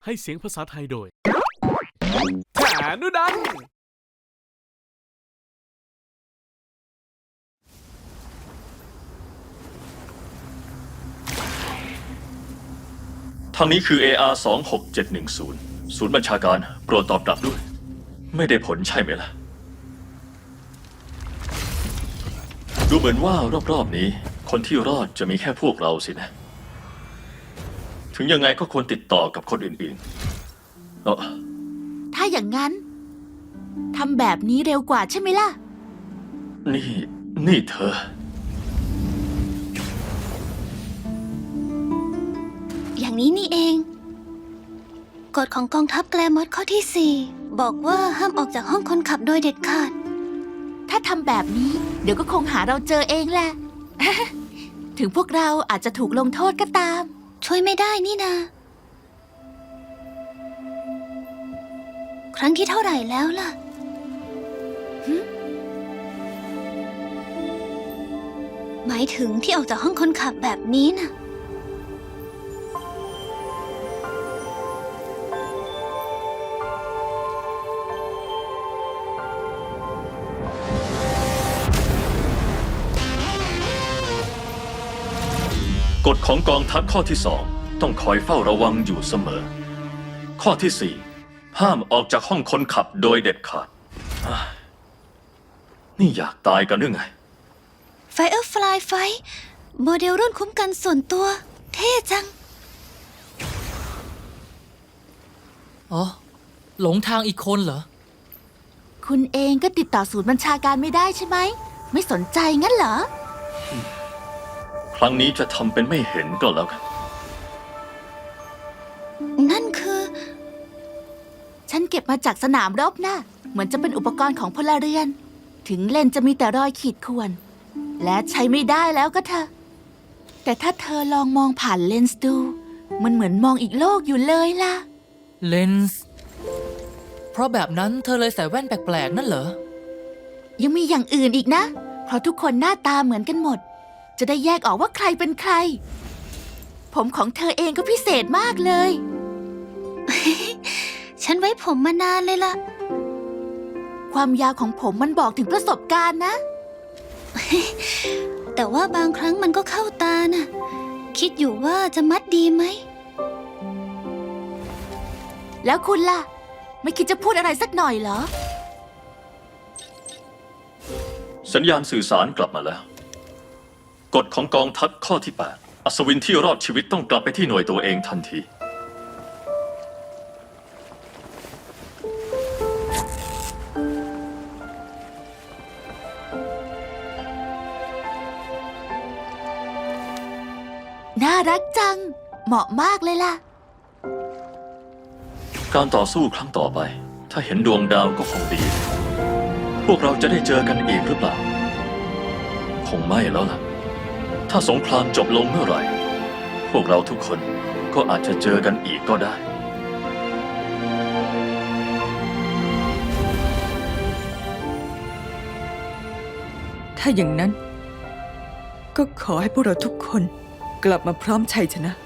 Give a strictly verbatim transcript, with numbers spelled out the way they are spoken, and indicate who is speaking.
Speaker 1: ให้เสียงภาษาไทยโดยแขนุดัน
Speaker 2: ทางนี้คือ เอ อาร์ สอง หก เจ็ด หนึ่ง ศูนย์ ศูนย์บัญชาการโปรดตอบกลับด้วยไม่ได้ผลใช่ไหมล่ะดูเหมือนว่ารอบๆนี้คนที่รอดจะมีแค่พวกเราสินะถึงยังไงก็ควรติดต่อกับคนอื่นๆเออ
Speaker 3: ถ้าอย่างนั้นทำแบบนี้เร็วกว่าใช่ไหมล่ะ
Speaker 2: นี่นี่เธอ
Speaker 4: อย่างนี้นี่เองกฎของกองทัพแกลมอสข้อที่สี่บอกว่าห้ามออกจากห้องคนขับโดยเด็ดขาด
Speaker 3: ถ้าทำแบบนี้เดี๋ยวก็คงหาเราเจอเองแหละ ถึงพวกเราอาจจะถูกลงโทษก็ตาม
Speaker 4: ช่วยไม่ได้นี่นาครั้งที่เท่าไหร่แล้วล่ะหมายถึงที่ออกจากห้องคนขับแบบนี้น่ะ
Speaker 2: กฎของกองทัพข้อที่สองต้องคอยเฝ้าระวังอยู่เสมอข้อที่สี่ห้ามออกจากห้องคนขับโดยเด็ดขาดนี่อยากตายกันหรือไง
Speaker 4: Firefly Fight โมเดลรุ่นคุ้มกันส่วนตัวเท่จัง
Speaker 5: อ๋อหลงทางอีกคนเหรอ
Speaker 3: คุณเองก็ติดต่อศูนย์บัญชาการไม่ได้ใช่ไหมไม่สนใจงั้นเหรอ
Speaker 2: ครั้งนี้จะทำเป็นไม่เห็นก็แล้วกัน
Speaker 4: นั่นคือ
Speaker 3: ฉันเก็บมาจากสนามรบนะเหมือนจะเป็นอุปกรณ์ของพลเรือนถึงเลนจะมีแต่รอยขีดข่วนและใช้ไม่ได้แล้วก็เถอะแต่ถ้าเธอลองมองผ่านเลนส์ดูมันเหมือนมองอีกโลกอยู่เลยล่ะ
Speaker 5: เลนส์เพราะแบบนั้นเธอเลยใส่แว่นแปลกๆนั่นเหรอ
Speaker 3: ยังมีอย่างอื่นอีกนะเพราะทุกคนหน้าตาเหมือนกันหมดจะได้แยกออกว่าใครเป็นใครผมของเธอเองก็พิเศษมากเลย
Speaker 4: ฉันไว้ผมมานานเลยล่ะ
Speaker 3: ความยาวของผมมันบอกถึงประสบการณ์นะ
Speaker 4: แต่ว่าบางครั้งมันก็เข้าตาน่ะคิดอยู่ว่าจะมัดดีไหม
Speaker 3: แล้วคุณล่ะไม่คิดจะพูดอะไรสักหน่อยเหรอ
Speaker 2: สัญญาณสื่อสารกลับมาแล้วกฎของกองทัพข้อที่แปดอัศวินที่รอดชีวิตต้องกลับไปที่หน่วยตัวเองทันที
Speaker 3: น่ารักจังเหมาะมากเลยล่ะ
Speaker 2: การต่อสู้ครั้งต่อไปถ้าเห็นดวงดาวก็คงดีพวกเราจะได้เจอกันอีกหรือเปล่าคงไม่แล้วล่ะถ้าสงครามจบลงเมื่อไหร่พวกเราทุกคนก็อาจจะเจอกันอีกก็ได้
Speaker 6: ถ้าอย่างนั้นก็ขอให้พวกเราทุกคนกลับมาพร้อมชัยชนะ